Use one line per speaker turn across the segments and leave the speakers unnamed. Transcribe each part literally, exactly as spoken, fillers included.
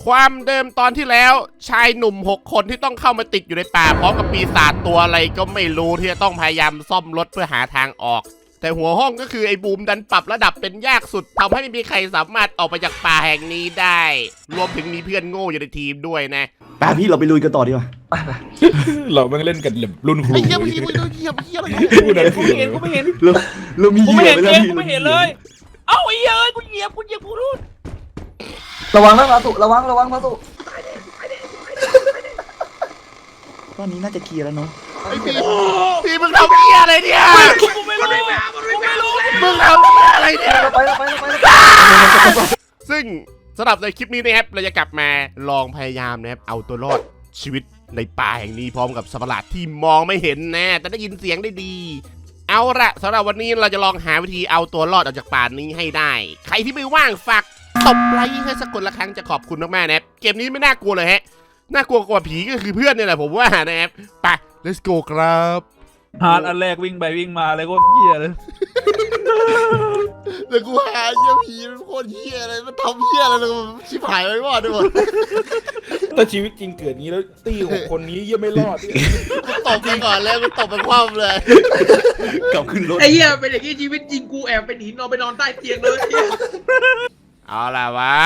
ความเดิมตอนที่แล้วชายหนุ่มหกคนที่ต้องเข้ามาติดอยู่ในป่าพร้อมกับปีศาจตัวอะไรก็ไม่รู้ที่จะต้องพยายามซ่อมรถเพื่อหาทางออกแต่หัวห้องก็คือไอ้บูมดันปรับระดับเป็นยากสุดทำให้ไม่มีใครสามารถออกไปจากป่าแห่งนี้ได้รวมถึงมีเพื่อนโง่อยู่ในทีมด้วยนะ
ป่าพี่เราไปลุยกันต่อดีกว่า
เราไม่เล่นกันแบบรุ่นครู
ไอ้เหี้ยพี่มึงเหี้ยเหี้ยอะไร
กูไม่เห็นกูไม่เห็น
เราเรามี
กูไม่เห็น
เห
เอ
ยื่อง
กูไม่เห็นเลยเอ้าไอ้เอ้ยกูเหยียบกูเหยียบกูรุ่น
ระวังนะมาสุระวังระวังมาสุ
ตอนนี้น่าจะเคลียร์แล้วเนาะ
ไอ้พี่พี่มึงทำเหี้ยอะไรเนี่ย
กูไม่รู้กูไม่รู้
มึงทำอะไรเนี่ย
เราไปเราไปเราไป
ซึ่งสำหรับในคลิปนี้นะครับเราจะกลับมาลองพยายามนะครับเอาตัวรอดชีวิตในป่าแห่งนี้พร้อมกับสัตว์ประหลาดที่มองไม่เห็นนะแต่ได้ยินเสียงได้ดีเอาละสำหรับวันนี้เราจะลองหาวิธีเอาตัวรอดออกจากป่านี้ให้ได้ใครที่ไม่ว่างฝากตบไลค์ให้สักคนละครั้งจะขอบคุณมากๆนะครับเกมนี้ไม่น่ากลัวเลยฮะน่ากลัวกว่าผีก็คือเพื่อนเนี่ยแหละผมว่านะครับไป let's go ครับ
ฮาร์ดอันแรกวิ่งไปวิ่งมาเลยโคตรเหี้ยเลย
แล้วกูหาเหี้ยผีมันโคตรเหี้ยเลยมันทำเหี้ยอะไรเลยชิบหายไปหมดด้วยหมด
ถ้าชีวิตจริงเกิดนี้แล้วตี้หกคนนี้ยังไม่รอด
กูตบไปก่อนแล้วกูตบไปคว่ำเลย
กลับขึ้นรถ
ไอ้เหี้ยเป็นอย่างนี้ชีวิตจริงกูแอบไปหนีนอนไปนอนใต้เตียงเลย
เอาล่ะวะ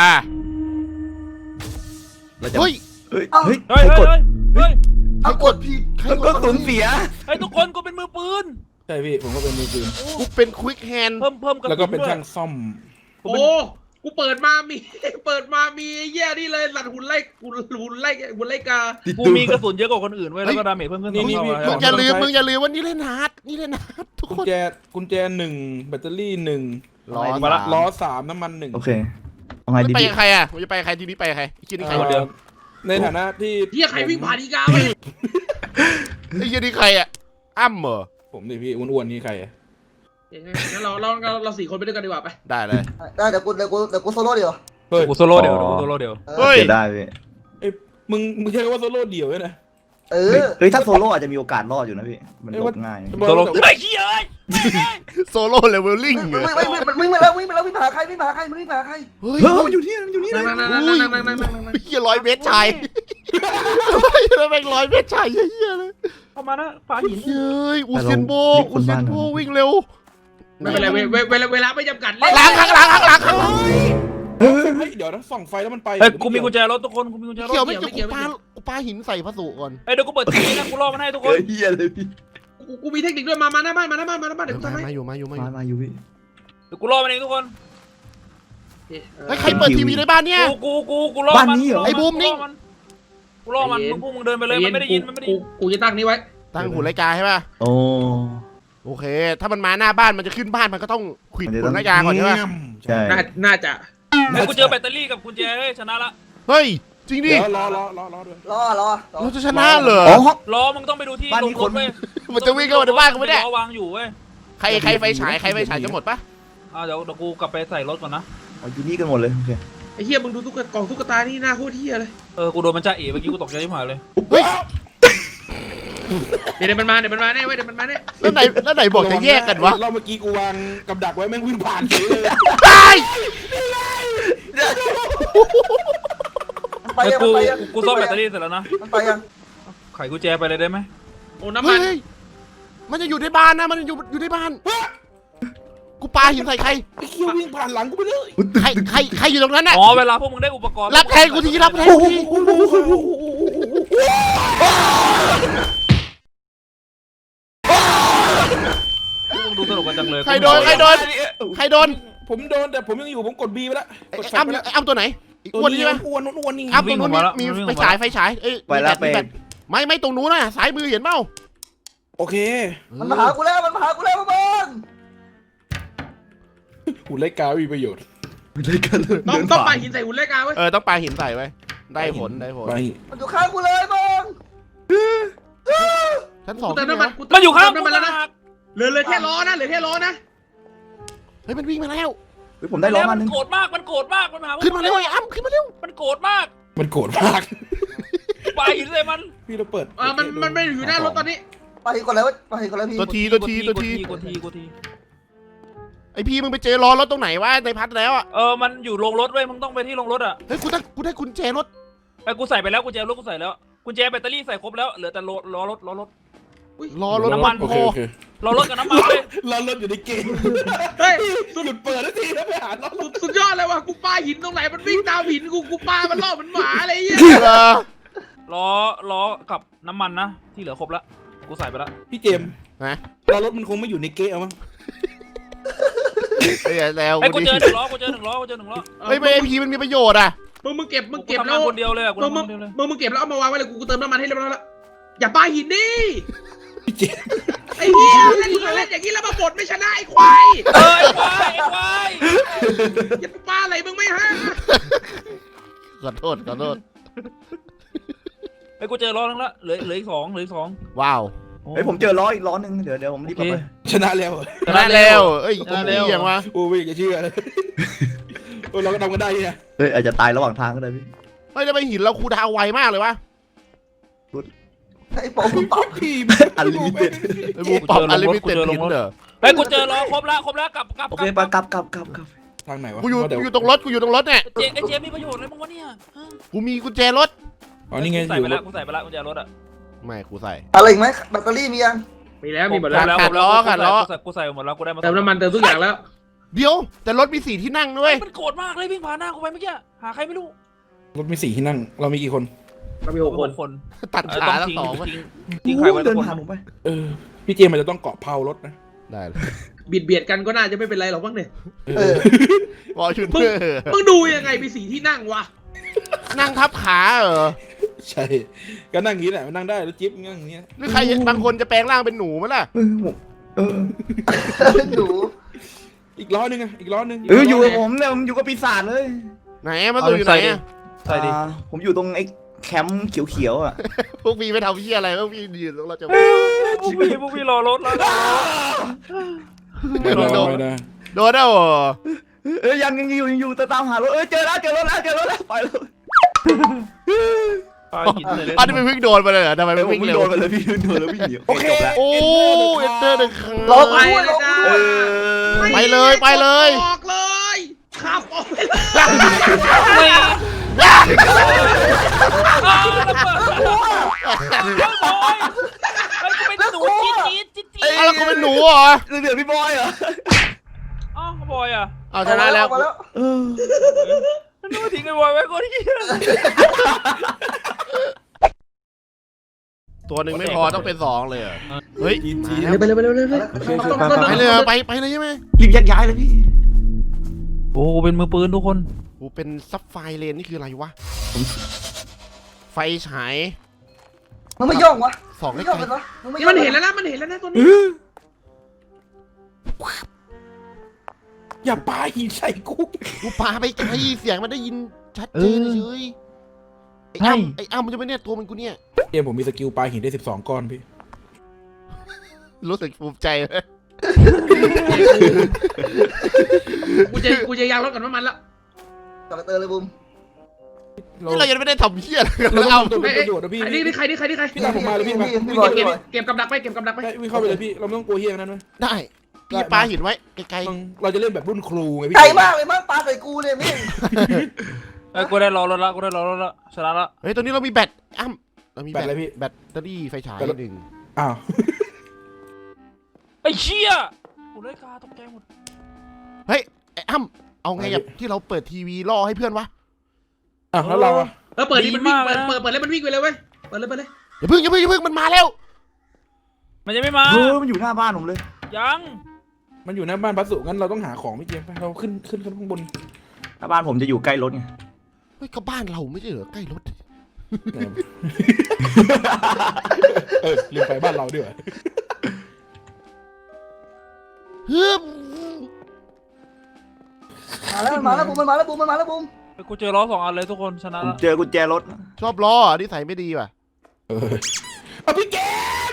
เราจะ
เฮ้ย
เฮ้ย
เฮ้ยเฮ้ยเฮ้ยเฮ้ย
ใครกดพี่ใคร
มัน
ก
ก็
ด
สูญเสีย
เฮ้ยทุกคนกูเป็นมือปืนใช่พี่ผมก็เป็นมือปืน
กูเป็นควิกแฮนด์
เพิ่มเพิ่มแล้วก็เป็นช่างซ่อม
โอ้กูเปิดมามี เปิดมามีไอ้เหี้ยนี่เลยหลัดหุ่นไล่หุ่นหุ่นไล่หุ่นไล่กา
กูมีกระสุนเยอะกว่าคนอื่นเว้ยแล้วก็ดาเมจเพิ่มขึ้น
มึงอย่าลืมมึงอย่าลืมว่านี่เล่นฮาร์ดนี่เล่นฮาร์ดทุก
กุ
ค
ญ
น
แจกุญแจหนึ่งแบตเตอรี่หนึ่ง
ล้อ
มาละ
สาม
ล้อสามน้ำมันหนึ่ง
โอเคเอาไงดี
ไป
พี่
กับใครอ่ะมึงจะไปกับใครทีนี้ไปกับใครไอ้เหี้ยนี่ใคร
คนเดียวในฐานะที่
เหี้ยใครวิ่งผ่านอีกาไป
ไอ้เหี้ยนี่ใครอ่ะอ้ำเหรอ
ผมดิพี่อ้วนๆนี่ใคร
งั้นเราเราเราเราสี่คนไปด้วยกันดีกว่าไป
ได้เลย
ได้เดี๋ยวกูเดี๋ยวกูเดี๋ยวกูโซโล่เดียว
เฮ้ยกูโซโล่เดียวกูโซโล่เดียว
เฮ้ย
เสียได้พี่
เอ้ยมึงมึงใช้คำว่าโซโล่เดียวเนี่ยนะ
เอ
เฮ้ย
อ
เฮ้ยถ้าโซโล่อาจจะมีโอกาสรอดอยู่นะพี่มันหลบง่าย
โซโล่ไอ้เหี้ย
โซโล่เลเวลลิ่ง
วิ่งวิ่งวิ่งวิ่งไปแล้ววิ่งไปแล้ววิ่งไปหาใครวิ่งไปหาใครวิ่งไปหาใคร
เฮ้ย
เฮ้ยมันอยู่ที่มันอยู่นี่เล
นั่
ย
งนั่งนั่งนั่งนั่งนั่งนั่งนั่งนั่ง
เหี้ยร้อยเมตรชายแล้วแม่งร้อยเมตรชายเหี้ยเลย
เข้ามานะฝาหิน
เฮ้ยอูเซนโบอูเซนโบวิ่งเร็ว
ไม่เป็นไรเวลาเวลาไม่จำกัด
ล้างข้างหลังข้างหลังข้างหลัง
เฮ้ยเดี๋ยวนะส่องไฟแล้วมันไปเฮ้ยกูมีกุญแจรถทุกคนกูมีกุญแจรถ
เกี่ยวไม่เกี่ยวกูปากูปาหินใส่พระสุก่อน
เฮ้ยเดี๋ยวกูเปิดทีวีนะกูรอมันให้ทุกคน
เฮ้ยเฮียเลยพี่
กูกูมีเทคนิคด้วยมามาหน้าบ้านมาหน้าบ้านมาหน้าบ้านเดี๋ยวกูทำให้
มาอยู่มาอยู่มาอ
มา
ยู่
มาอยู่พี่
เดี๋ยวกูรอมันเองทุกคน
เฮ้ยใครเปิดทีวีในบ้านเนี่ย
กูกูกูกูรอมันกูรอมันพวกมึงเดินไปเลยมันไม่ได้ยินมันไม่ได้ยิน
กูจะตั้งนี้ไว้
ตั้งหุ่นรายการใช่ป่ะ
โอ้
โอเค ถ้ามันมาหน้าบ้านมันจะขึ้นบ้านมันก็ต้องขวิดหุ่นรายการก่อนใช่ป่ะ
ใช่
น่าน่าจะ
เฮ้ยกูเจอแบตเตอรี่กับกุญแจเฮ้ยชนะละ
เฮ้ยจริงดิ
เดี๋ยวรอรอรอรอด้วย
รอรอ
เราจะชนะเหรอ
อ๋อ
รอมึงต้องไปดูที่ลงรถเว้ย
มันจะวิ่งเข้ามาในบ้านกูไม่ได้
รอวางอยู่เว้ย
ใครใครไฟฉายใครไฟฉายจะหมดปะ
อ่าเดี๋ยวเดี๋ยวกูกลับไปใส่รถก่อนนะ
เอาอยู่นี่กันหมดเลยโอเค
ไอ้เหี้ยมึงดูตุ๊กกล่องตุ๊กตานี่หน้าโคตรเหี้ยเลย
เออกูโดนมันจ่าเอ๋เมื่อกี้กูตกใจที่หายเลย
เฮ้ย
เดี๋ยวมันมาเดี๋ยวมันมาแน่เว้ยเดี๋ยวมันมาแน่
แล้วไหนแล้วไหนบอกจะแยกกันวะ
เราเมื่อกี้กูวางกับดักไว้แม่งวิ่งผ่านเฉยเลย
ตาย
ไป
เฮ้ย
ยัง
กู
ไปยัง
กูซ่อมแบตเตอรี่เสร็จแล้วนะ
มันไปยัง
ไขกุญแจไปเลยได้ไหม
โอ้น้ำมั
เฮ้
น
ยมันจะอยู่ในบ้านนะมันอยู่อยู่ในบ้านกูปาหินใส่ใคร
ไอ้เคี้ยววิ่งผ่านหลังกูไปเลย
ใครใครใครอยู่ตรงนั้นน่ะ
อ๋อเวลาพวกมึงได้อุปกรณ์
รับแทนกูทีรับแทนกูที
พวกมึงดูสนุกกันจังเลย
ใครโดนใครโดนใครโดน
ผมโดนแต่ผมยังอยู่ผมกดบีไปแล้ว
ไอ้
กดแฟ
อ้ำ
ไปแล้ว
ไอ้อ้ำตัวไหนอีก
ตัว
อ้วน
นี้
ใช่ไหม
อ้วนอ้วนนี่
อ้ำตรงนู้นมีมีไฟฉายไฟฉายเอ้ย
ไปแล้ว
มี
ไป
แบตไม่ไม่ตรงนู้นน่ะสายมือเห็นเปล่า
โอเค
มันมาหากูแล้วมันมาหากูแล้วบ้าน
หุ่นไล่กามีประโยชน์
เลยกันเลย
ต้องต้องปาหินใส่หุ่นเล็กาเว้ย
เออต้องปาหินใส่ไว้ได้ผลได้ผล
ไป
มันอยู่ข้างกูเลยบ้าน
ชั้นสอง
กูเติม
ใช่ไหม
น้ำมัน
วะ
กู
มันอยู่ข้าง
เติม
กู
น้ำมัน
แล้
แล้ว ว
นะ
นะเหลือเหลือแค่ล้อนะเหลือแค่ล้อนะ
เฮ้ยมันวิ่งมาแล้ว
เฮ้ยผมได้ล้อมาห
มั
นึ
น
ง
โกรธมากมันโกรธมากมันมา
ขึ้นมาเร็วไอ้อ้ำขึ้นมาเร็ว
มันโกรธมากมันโกรธมากไปหินเลยมันพี่เราเปิด
เออมันมันไม่อยู่หน้ารถตอนนี้
ไปก่อนแล้วไปก่อนแล้วพี่
ตัวทีตัวทีตัวที
กดทีกดที
ไไอพี่มึงไปเจอล้อรถตรงไหนวะในพัดแล้วอ่ะ
เออมันอยู่โรงรถเว้ยมึงต้องไปที่โรงรถอ่ะ
เฮ้ยกูได้กูได้กุญแจรถ
ไอ้กูใส่ไปแล้วกุญแจรถกูใส่แล้วกุญแจแบตเตอรี่ใส่ครบแล้วเหลือแต่ล้อล้อรถล้อรถ
ล้อรถ
น้ำมัน
โอ้
พ
โห
อล้อรถกับน้ำมันเลย
เราเริ่มอยู่ในเกม
เฮ้ย
สรุปเปิดแล้วทีแล้วไปหาเรา
สุดสุดยอดเลยว่ะกูปาหินตรงไหนมันวิ่งตามหินกูกูปามันล่อมันหมาอะไรเงี้ย
เออ
ล้อล้อกับน้ำมันนะที่เหลือครบแล้วกูใส่ไปแล้ว
พี่เจมส์
นะ
เรารถมันคงไม่อยู่ในเกมมั้ง
เฮ้ยแล้ว
ไอ้กู
กู
เจ
ดิ
อหนึ่งล้อกูเจอหนึ่งล้อกูเจอหนึ่งล้อ
เฮ้ยไอพีมันมีประโยชน์อ่ะ
มึงมึงเก็บมึง
กู
เก็บ
ทำ
แล้
งาน
ว
คนเดียวเลยกู
มึง
ทำ
มึ
งาง นคนเดียวเลย
มึงมึงเก็บแล้วเอามาวางไว้เลยกูกูเติมน้ำมันให้เรียบร้อยแล้วอย่าปาหินดิ
พี่เจมส์
ไอ้เหี้ยเล่นเล่นอย่างนี้แล้วมาบดไม่ชนะไอ้ควาย
เอ้ยไอ้ควายไอ้ควาย
อย่าปาอะไรมึงไม่ฮะ
ขอโทษขอโทษ
ไอ้กูเจอล้อนึงละเหลือเหลืออีกสองเหลืออีกสอง
ว้าว
เฮ้ยผมเจอล้ออีกล้อหนึงเดี๋ยวเดี๋ยวผมรีบ
โอ
เอา
เค
ไป
ชนะแล้ว
ชนะแล้วเอ้ย
ชนะแล้ว
เยี่ยงวะ
โอ้ยอย่าเชื่อเลยโอ้เราก็ทำกันได้เนี่ย
เฮ้ยอาจจะตายระหว่างทางก็ได้พี่
เฮ้ยแล้วไปหินเราคูดาวไวมากเลยวะ
ไอ้ปอมตอบ
พี่
อันลิมิเต็ด
ไอ้บูปอบอลิมิเต็ดหินเหรอ
ไอ้กูเจอล้อครบแล้วครบแล้วกลับกลับ
โอเคไปกลับกลับกลับกลับ
ทางไหนวะ
กูอยู่
เดี๋ว
กูอยู่ตรงรถกูอยู่ตรงรถเนี่ย
เจไอ้เจมีประโยชน์อะไรบ้างวะเนี่ย
กูมีกุญแจรถ
อ๋อนี่ไง
กูใส่
อยู่
ไปแล้วกูใส่ไปแล้วกุญแจรถอ่ะ
ไม่กูใส่
อะไรอีกไหมแบตเตอรี่มียัง
มีแล้วมีหมดแล้ว
ขาดล้อขาดล้อ
กูใส่หมดแล้วกูได้มา
เติมน้ำมันเติมทุกอย่างแล้ว
เดี๋ยวแต่รถมีสี่ที่นั่งด้วย
มันโกรธมากเลยวิ่งผ่านหน้ากูไปเมื่อกี้หาใครไม่รู้
รถมีสี่ที่นั่งเรามีกี่คน
เรามีหกคน
คน
ตัด
เออ
ขา
ต้อง
ทั้
ทิ้
ง
ง
สองวะ
ทิ้งทิ้งใครไว้ทุ
เดิ
ก
น
คน
ผ่านผมไป
เออพี่เจมส์มันจะต้องเกาะเพารถนะ
ได้เลย
บิดเบียดกันก็น่าจะไม่เป็นไรหรอกมั้งเนี่ย
เออ
วอลชุนเตอร์
มึงดูยังไงมีสีที่นั่งวะ
นั่งทับขาเหรอ
ใช่ก็นั่งอย่างนี้แหละมันนั่งได้แล้วจิ๊บนั่งอย่างนี้
หรือใครบางคนจะแปลงร่างเป็นหนูมั้ยล่ะ
เออผมเออ
หนู
อีกล้อนึงอะอีกล้อนึง
เอออยู่กับผมเนี่ยผมอยู่กับปีศาจเลย
ไหนมาตัวอยู่ไหนอะ
ใส่ดิ
อ่าผมอยู่ตรงไอ้แคมป์เขียวๆอ่ะ
พวกพี่ไม่ทำพี่อะไรพวกพี่ยืนตรงเราจะ
พวกพี่พวกพี่รอรถแล้ว
ไม่ได้ไม่ได้
โดนแล้วเหรอ
เอ้ยยังยังอยู่ยังอยู่แต่ตามหารถเอ้ยเจอแล้วเจอรถแล้วเจอรถแล้วไปแล้ว
ปาหินเลย
อันนี้มันวิ่งโดนไปเลยเหรอทำไม
เอ
มั
อน ผม
วิ่งเร็ว
โดนไปเลยพี่โดนแล้ววิ่งหนีโอเคจบแล้ว
โอ้เอ็นเตอร์หนึ่งครั้ง
รอ
ไป
กูด้วย
เล
ร
ย
อ
จ้า
เออ
ไปเลยไปเลย
ออกเลยขับออกไปเลย
ไม่อ้าวระเบิดเฮ้ยบอยเฮ้ยกูเป็นหนูจี๊ดจี๊ดจี๊ดจี๊ด
อ้าวแล้วกูเป็นหนูเหรอ
เหลือพี่บอยเหรอ
อ้าวบอยอ่ะ
เอาชนะแล้ว
มาแล้ว
เออ
นึกว่าทิ้งไอ้บอยไว้คนที่
ตัวหนึ่งไม่พอต้องเป็นสองเลยเหรอเฮ้ย
จีจี
ไปเลยไปเลยไปเลย
ไปเลยไปไปเลยใช่ไหม
รีบยักย้ายเลยพี่
โอ้เป็นมือปืนทุกคน
กูเป็นซับไฟเลนนี่คืออะไรวะไฟฉาย
มึงไม่ย่องวะ
สอง
ไม่
ไกล
ย่องกันวะมึงไม่
นี่
ย่อง
มันเห็นแล้วนะมันเห็นแล้วนะตัวนี้
อย่าปาหินใส่กู
กูปาไปไกลเสียงมันได้ยินชัดเจนเฉยไอ้อ้ำไอ้อ้ำมันจะไม่เนี่ยตัวมันกูเนี่ย
เกมผมมีสกิลปาหินได้สิบสองก้อนพี่
รู้สึกภูมิใจเลย
กูจะกูจะยางรถกับน้ำมันแล้ว
จอดเตอร์เลยบุ้ม
นี่เรายังไม่ได้ทำเหี้ยอะไรกัน
เรา
เลย
ต้อ
อ้ำ
งเป็นประโยชน์นะพี่
ใครนี่ใครนี่ใครนี่ใคร
พี่ตามผมมาเลยพี่มา
พี่บอย
เก็
พี่
บบ
อย
เก็บกับดักไปเก็บกับดักไป
ใช่วิ่งเข้าไปเลยพี่เราไม่ต้องกลัวเฮียนั้นนะ
ได้พี่ปาหินไว้ไกล
ต้องเราจะเล่นแบบรุ่นครูไงพี่
ไกลมากเลยมั้งปาใส่กูเนี่ยมิ่ง
ไอ้กูได้รอรถละกูได้รอรถละชนะละ
ๆเฮ้ยตอนนี้เรามีแบตอ้ำเรามี
แบ
แบ
ต
ต
อะไรพี่
แบตเตอรี่ไฟฉายหนึ่ง
อ้าว
ไอ้เชี่ยกูได้กาตกใจหมด
เฮ้ยไอ้อ้ำเอาไงกับที่เราเปิดทีวีล่อให้เพื่อนวะ
อ้าวแล้วเราอะ
เออเปิดดิมันวิ่งเปิดเปิดเปิดเลยมันวิ่งไปเลยเว้ยเปิดเลยเปิดเลย
อย่าเพิ่งอย่าเพิ่งอย่าเพิ่งมันมาแล้ว
มันยังไม่มา
เออมันอยู่หน้าบ้านผมเลย
ยัง
มันอยู่หน้าบ้านพัสุงั้นเราต้องหาของพี่เกมไปเราขึ้นขึ้นขึ้นข้างบน
หน้าบ้านผมจะอยู่ใกล้รถไง
เฮ้ยก็บ้านเราไม่ใช่เหรอใกล้รถ
เออลืมไปบ้านเราด้วย
เฮ้ย
มาแล้วมาแล้วบุ้มมันมาแล้วบุ้มมันมาแล้วบุ้ม
ไอ้กูเจอล้อสองอันเลยทุกคนชนะ
ผม
ละ
เจอกุญแจรถ
ชอบล้ออ่ะนิสัยไม่ดีว่ะ
เออเอาพี่เกม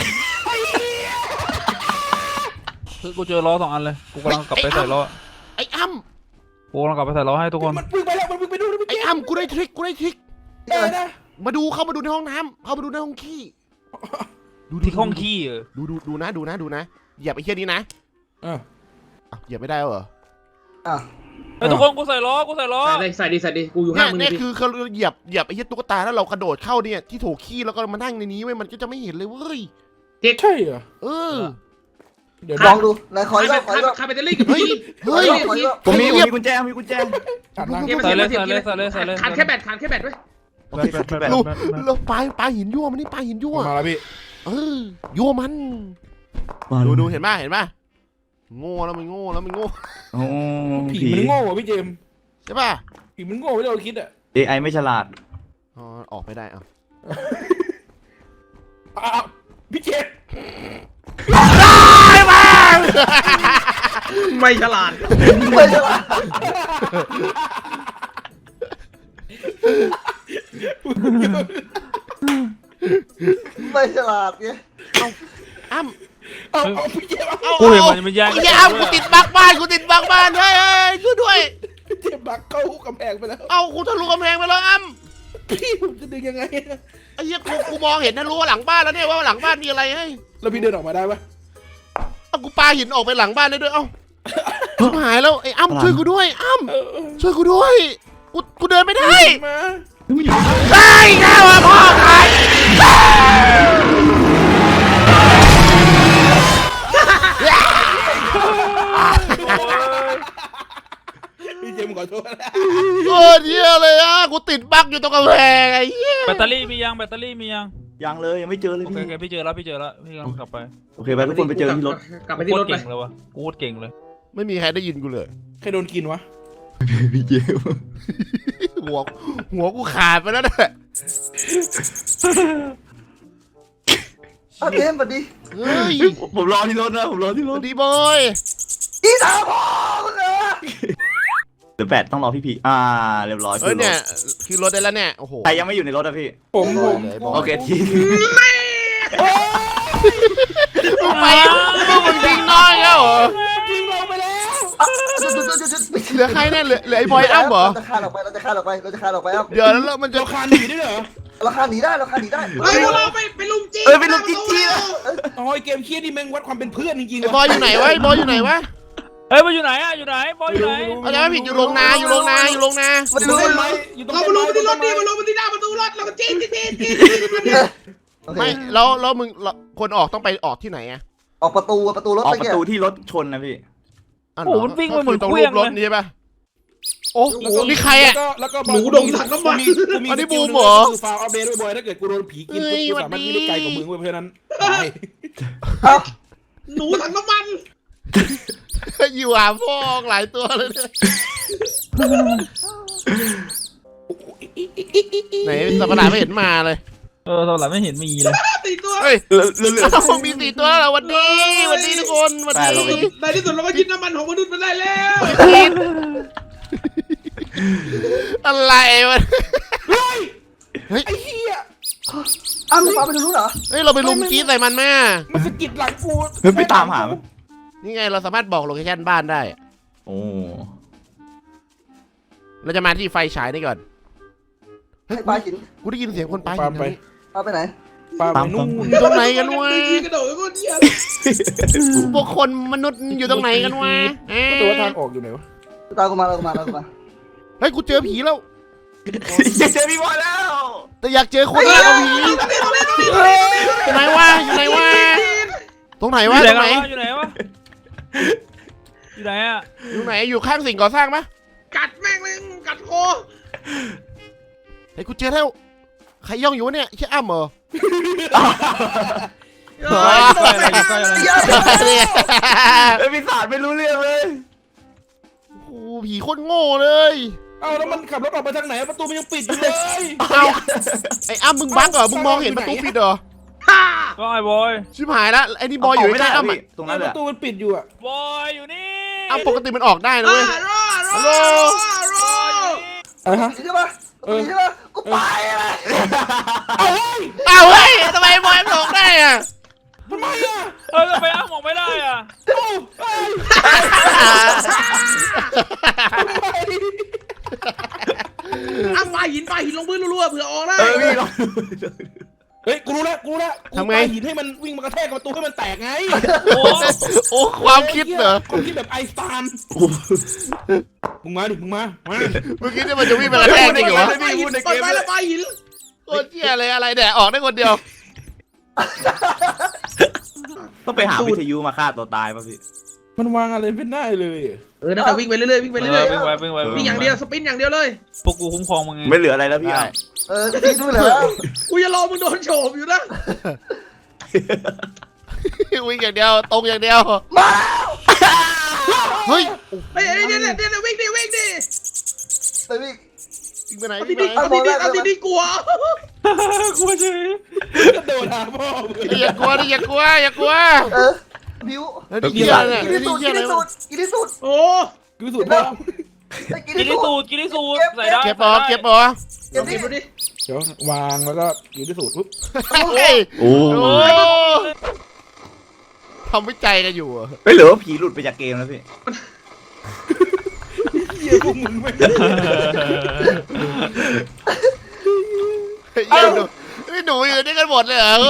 คือกูเจอล้อสองอันเลยกูกำลังกลับไปใส่ล้อ
ไอ้อ้ำ
กูกำลังกลับไปใส่ล้อให้ทุกคน
มันวิ่งไปแล้วมันวิ่งไปดูนะพี่
ไอ้
เกม
อ้ำกูได้ทริคกูได้ทริค
เออนะ
มาดูเข้ามาดูในห้องน้ำเข้ามาดูในห้องขี้ดู
ที่ห้องขี้เออ
ดูดูดูนะดูนะดูนะอย่าไปเชี่ยนี้นะ
เออ
อ้าวเหยียบไม่ได้เหรอ
อ่ะ
ไอ้ทุกคนกูใส่ล้อกูใส่ล้อ
ใส่เลยใส่ดิใส่ดิกูอยู่
เนี่
ห้าย งมึง
เนี่ย
ดิ
คือเขาเหยียบเหยียบไอ้เหี้ยตุ๊กตาแล้วเรากระโดดเข้าเนี่ยที่โถขี้แล้วก็มานั่งในนี้เว้ยมันก็จะไม่เห็นเลยเว้ย
ใช่เหรอ
เออ
เดี๋ยว
ลองดูนายคอยก็
ใค
คอย
ร
ก็
ใครไปเตอรี่กับพี่
เฮ้ย
คอยก็
ผมมีผมมีกุญแจมีกุญแจ
ตัดหน้า
เก็บ
ใส่เลย
เก็บ
ใส่เลยใส่เลยใส่เลย
ขาดแค่แบตขาดแค่แบตไว้
โอเคครับแบบ
ลูกเราปลาปลาหินยั่วมันนี่ปลาหินยั่ว
มาแล้วพี่
เออยั่วมันดูดูเห็นป่ะเห็นป่ะโง่แล้วมันโง่แล้วมันโง่
โอ้
ผี
ผี
มันโง่ว่ะพี่เจมส์
ใช่ป่ะ
ผีมันโง่ไม่ได้เราคิดอ่ะ
เอไอไม่ฉลาด
อ๋อออกไม่ได้เอา
อ้าวพี่เจมส์
ไม่ฉลาด
ไม่ใช่หรอไม่ฉลาดเนี่ย
อ้ำ
เอาเอาพี่เจมส์เอา
เอา
กูเห็นมันมันแย่ง
ไอ้เหี้ยอ้ำกูติดบักบ้านกูติดบักบ้านเฮ้ยเฮ้ยช่วยด้วย
พี่เจมส์บักเข้ากำแพงไปแล้ว
เอากูทะลุกำแพงไปแล้วอ้ำ
พี่ผมจะดึงยังไงอะ
ไอ้เหี้ยกูกูมองเห็นนะรู้ว่าหลังบ้านแล้วเนี่ยว่าหลังบ้านมีอะไรเฮ้ย
แล้วพี่เดินออกมาได้ปะ
เอากูปาหินออกไปหลังบ้านได้ด้วยเอ้าชิบหายแล้วไอ้อ้ำช่วยกูด้วยอ้ำ
เออเออ
ช่วยกูด้วยกูกูเดินไม่ได้
มา
ไอ้แก้วอะพ่อใคร
พี่เจมส์ขอโทษนะ
โคตรเหี้ยเลยอ่ะกูติดบั๊กอยู่ตรงกำแพงไอ้เหี้ย
แบตเตอรี่มียังแบตเตอรี่มียัง
ยังเลยยังไม่เจอเลย
โอเค
พี่
โอเคพี่เจอแล้วพี่เจอแล้วพี่กำลังกลับไป
โอเคไปทุกคนไปเจอที่รถ
กลับไป
โค
ที่
ต
ร
ร
ถไป
เก่งเลยวะกูโคตรเก่งเลย
ไม่มีใครได้ยินกูเลย
ใครโดนกินวะ
พี่เจม
หัวหัวกูขาดไปแล้วเนี่ย
เอาเกมสวัสดี
เฮ้ย
ผมรอที่รถนะผมรอที่
ส
ร
วั
ถ
สดีบอย
อีสาวพ่อคุณเออ
เดี๋ยวแปดต้องรอพี่พีอ่าเรียบร้อย
เฮ้ยเนี่ยคือรถได้แล้วเนี่ยโอ้โห
ใครยังไม่อยู่ในรถอะพี่
ผมผม
โอเคที
มึงไปมึงมึงทิ้งน้อยแล้วเหรอ
จริงลงไปแล้ว
จุดจุดจุดจุด
เหลือใครเนี่ยเหลือเหลือไอ้บอยอ้ำเหรอ
เราจะฆ่าเราไปเราจะฆ่าเราไปเราจะฆ่าเราไปอ้ำ
เดี๋ยวแล้วมันจะ
เราคานหนีได้เหรอ
เราฆ่าหนีได้เราฆ่าหนีได้
เฮ้ยพวกเราไปไปลุมจี
เออเป็นลูกจิ๊จี้แล้ว
อ๋อไอเกมเครียดนี่แม่งวัดความเป็นเพื่อนจริงๆ
ไอ้บอยอยู่ไหนวะไอ้บอยอยู่ไหนวะ
เฮ้ยมันอยู่ไหนอะอยู่ไหนบอยอยู่ไหน
เอาใจไม่ผิดอยู่โรงนาอยู่โรงนาอยู่โรงนา
มัน
อยู่
รู้
ต้น
ไหม
ไม้อยู่ต้น
เรา
ไม้
มาลุมที่รถดิมาลุมที่หน้าประตูรถเราก็จีนจีนจีนจีน
โอเค
ไม่แล้วแล้วมึงคนออกต้องไปออกที่ไหนอะ
ออกประตูประตูรถ
ออก
ไป
ประ
แก
ตูที่รถชนนะพี่
อ๋อ
โอ้โหมันวิ่งไปเหมือน
ตรง
เค
รู
รื่อง
ปรถ
เลย
นี่ใช่ปะโอ้โหนี่ใครอะ
แล้วก็
หนูดงถังน้ำมัน
อันนี้บูมเหรอ
คือฟาวอัปเดตด้วยบอยถ้าเกิดกูโดนผีกิน
เฮ้
ปุ๊บ
ย
กูสามารถ
หวัดดี
วิ่งได้ไกลกว่ามึงเว้ยเพราะฉะนั้นตาย
เอ้า
หนูถังน้ำมัน
อยู่หาพวกหลายตัวเลยเนี่ยไหนสัปดาห์ไม่เห็นมาเลย
เออตอนหลังไม่เห็นมีเลย
ตีตัว
เฮ้ย
เหลือเหลือเหลือ
เอ้ามีสี่ตัวแล้ววันนี้วันนี้ทุกคนวัน
แปดเราไป
นี้
ในที่สุดเราก็ยึดน้ำมันของมนุษย์มาได้แล้ว
กินอะไรวะ
ไอ้เหี้ย
อ้าวมึงปาไปทางนู้นเหรอ
เฮ้ยเราไปลุมจี้ใส่มันแม่
มันสะกิดหลังกู
เฮ้ยไปตามหามัน
นี่ไงเราสามารถบอกโลเคชั่นบ้านได้
โอ้
เราจะมาที่ไฟฉายนี่ก่อน
ให้ปลาหิน
กูได้ยินเสียงคนปาหิ
ปาน ไป
ทางนี้
ปลาไปไหน
ปาไปนู่น
อยู่ตรงไหนกันวะ
กระโดดก็เดียว
พวกคนมนุษย์อยู่ตรงไหนกันวะเอ๊ะ
ตัวทางออกอยู่ไหนวะ
ตามกูมาตามกูมาตามกูมา
เฮ้ยกูเจอผีแล้ว
อยากเจอพี่บอยแล้ว
แต่อยากเจอคนมากกว่าผีอยู่ไหนวะอยู่ไหนวะตรงไหน
อ
วะ
ยู่ไหน
ตรงไหน
วะอยู่ไหนวะอยู่ไหนอะ
อยู่ไหนอยู่ข้างสิ่งก่อสร้างปะ
กัดแม่งเลยกัดคอ
เฮ้ยกูเจอแล้วใครย่องอยู่วะเนี่ยใช่อ้ำเหรอ
เฮ้ย
ใกล้อะไรอยู่ใกล้อะไร
เนี่ย
ไอ้ปีศาจไม่รู้เรื่องเลย
โอ้โหผีโคตรโง่เลย
เอ้าแล้วมันขับรถออกไปทางไหนประตูมันยังปิดอยู่เลย
เอาไอ้อ้ำมึงบั๊กเหรอมึงมองเห็นประตูปิดเหรอ
ฮ่า
ก็ไอ้บอย
ชิบหายแล้วไอ้นี่บอยอยู่ใกล้ๆอ้ำอะ
ตรง
ป
นั้นแห
ระ
ละ
ตูมันปิดอยู่อะ
บอยอยู่นี่
อ้ำปกติมันออกได้นะ
รอ
เว้ย
รอรอ
ฮัลโหล
รอ
อะไรฮะ
ใช่ปะใช่ปะกูไปเลย
อ้าวเฮ้ยทำไมบอยมันออกได้อะ
ทำไมอะ
เออทำไมอ้ามองไม่ได้อะ
เอ้าเอ้ยทำไม
อ่ะปาหินปาหินลงพื้นรัวๆเผื่อออกได้
เออพี่ลอง
เฮ้ยกูรู้แล้วกูรู้แล้วกู
ทำไง
ปาหินให้มันวิ่งมากระแทกกับประตูให้มันแตกไง
โอ้
โอ้ความคิดเหรอ
ความคิดแบบไอน์สไตน์มึงมาดิมึงมามา
เมื่อกี้เนี่ยมันจะวิ่งไปกระแทกจริงเหรอวะ
ไปหินเปิดไฟแล้วไปหิน
โคตรเชี่ยเลยอะไรเนี่ยออกได้คนเดียว
ต้องไปหาวิทยุมาฆ่าตัวตายป่ะพี่
มันวางอะไรไม่ได้เลย
เออนั่นแต่วิ่งไปเรื่อยๆวิ่งไปเรื่อย
วิ่งไว้วิ่งไว้
ๆวิ่งอย่างเดียวสปินอย่างเดียวเลย
พวกกูคุ้มครองมึงไง
ไม่เหลืออะไรแล้วพี่อ่ะ
เออพี่ดูเลยแล้ว
กูจะรอมึงโดนโฉบอยู่นะ
วิ่งอย่างเดียวตรงอย่างเดียว
มา
เฮ้ย
เฮ้ยเดี๋ยวเดี๋ยวเดี๋ยววิ่งดิวิ่งดิ
ไปวิ่ง
วิ่งไปไหน
เอา
วิ่
ที่
งไป
นี่
ไหน
เอาที่นี่เอาที่นี่กลัว
กูไม่ใช่กระโดดหาพ่อมึง
อย่ากลัวดิอย่ากลัวอย่ากลัว
เออบิว
แล้วนี่เหี้ยอะไรเนี่ย
กินที่
นี่
สุด
เหี้
กิ
ย
น
อะไร
ที่สุ
วะ
ดกินที่สุด
โอ้
กูสุดพ่อ
กิน
กิน
ที่
ที่
สุ
สู
ด
ตรกินที่สูตรใส่ได้
เก็บปอเก็บปอ
เก็บ
เก็
ที่
บดูดิ
เดี๋ยววางแล้วก็อยู่ที่สุดปุ๊บ
เฮ้ย
โอ้
โอ้ทำวิจัยกันอยู่อะ
ไม่เหลือว่าผีหลุดไปจากเกมแล้วพี่
เหี้ยพวกมึงไม่
เฮ้ยหนูนี่หนูอยู่ด้วยกันหมดเลยเหรอ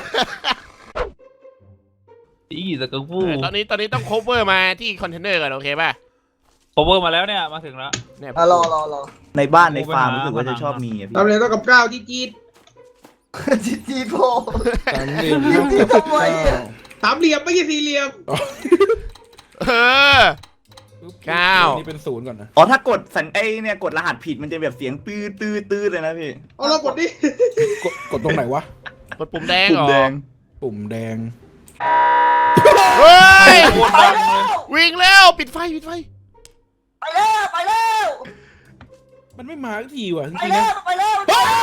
อีสกังฟู
เออตอนนี้ตอนนี้ต้อง cover มาที่คอนเทนเนอร์ก่อนโอเคป่ะ
โคเวอร์มาแล้วเนี่ยมาถึงแล้ว
เนี่ย
อ่ะรอรอรอ
ในบ้านในฟาร์มรู้สึกว่าจะชอบมีอ่ะพี่
ทำอะไรต้องกับก้าวจี๊ดจี๊ด
จีจีโพ
สามเหลี่ยมเท่ากับ
ทำไมอะ
สามเหลี่ยมไม่ใช่สี่เหลี่ยม
เออ เก้า
นี่เป็นศูนย์ก่อนนะ
อ๋อถ้ากดสัญไอเนี่ยกดรหัสผิดมันจะแบบเสียงตื้อตื้อตื้อเลยนะพี่
เอาเรากดดิ
กดกดตรงไหนวะ
กดปุ่มแดง
ปุ่
เหรอ
มแดง
ปุ่มแดง
เฮ้ย
โคตรดังเลย
วิ่งแล้วปิดไฟปิดไฟ
ไปแล้วไปแล้ว
มันไม่มาสักทีว่ะจ
ไป
ริงๆ
แล้
นะ
วไปแล้ว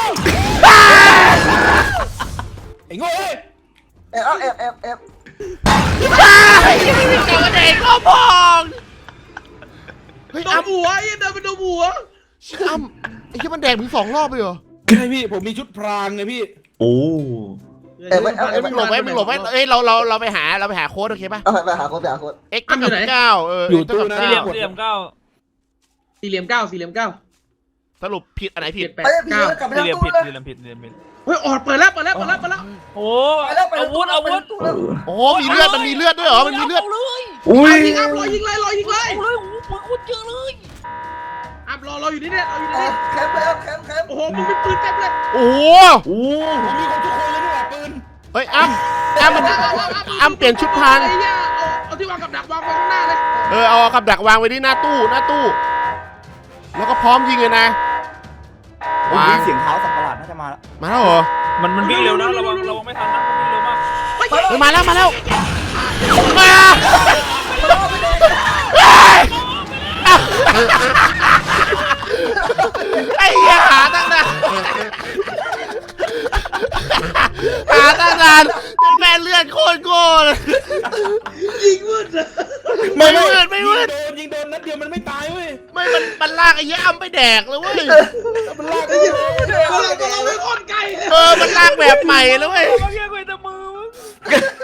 ไอ้โง่เอ้ย
แอบแอบแอบแอบ
ไอ้ยี่ไม่มีเกี่ยวกับเด็กก็พองเฮ้ย
โดน
อ้ำ
หัวไอ้เดินไปโดนหัว
อ้ำไอ้ที่มันแดงถึงสองรอบเลยเหรอ
ใช่พี่ผมมีชุดพรางไงพี่
โอ้
เอ้ยมึงหลบไว้มึงหลบไว้เอ้ยเราเราเราไปหาเราไปหาโค้ดโอเคป่ะ
เอาไปหาคนไปหาคน
x เท่ากับเก้าเออ
อยู่
เท่ากับ
ตู้นะ
สี่เหลี่ยม
เก้า
สี่เหลี่ยมเก้า
สี่เหลี่ยมเก้าสี่เหลี่ยมเก้า
สรุปผิดอันไหนผิด
เจ็ดแปด
ไปพี่
เก้า
กลับไป
สี่
ทาง
เหลี่ยม
ตู้
ผิด
เลย
สี่เหลี่ยมผิดสี่เหลี่ยมผิด
เฮ้ยออดเปิดแล้วเปิดแล้วเปิดแล้วเปิดแล้ว
โอ้
ไปแล้วไปแล้ว
อาวุธอาวุธ
ไปแล้ว
โอ้มีเลือดมันมีเลือดด้วยเหรอมันมีเลือด
าเลย
อุ้ย
ยิงอัพรอยิงเลยรอยิงเลย
เอาเลยโอ้โหโคตรเยอะเลย
อัพรอเราอยู่นี่เนี่ยเราอยู่
เอ
นี่
อแคมป์แล้วแคมป์แคมป์
โอ้โหมึงมีปืนเต็มเลย
โอ้โห
โอ้
ผมมีคนทุกคนเลยนี่หว่าปืน
เฮ้ยอ้ำอ้ำมันอ้ำเปลี่ยนชุดพราง
ไอ้เหี้ยเอาเอาที่วางกับดักวางไว้ข้างหน้าเลย
เออเอากับดักวางไว้ที่หน้าตู้หน้าตู้ แล้วก็พร้อมยิงเลยนะ
วาว
าง ง
เสียงเท้าสัตว์ประหลาดน่าจะมาแล้ว
มาแล้วเหรอ
มันมันวิ่งเร็วนะระวังระวังไม่ทันนะมันวิ่งเร็วมาก
เฮ้ยมาแล้วมาแล้วมาไอ้เหี้ยหาตั้งนานหาตั้งนานจนแม่เลือดโคตรโง่เลย
ยิงมืดเลย
ไม่มืดไม่มืด
ยิงโดนยิงโดนนัดเดียวมันไม่ตายเว้ย
ไม่มันมันลากไอ้เหี้ยอ้ำไปแดกเลยเว้ย
มันลาก
ไอ้เหี้ยตัวเราตัวเราไม่ค่อนไกลเลย
เออมันลากแบบใหม่เลยเว้ย
เมื่อกี้กูเห็นแต่มือมึง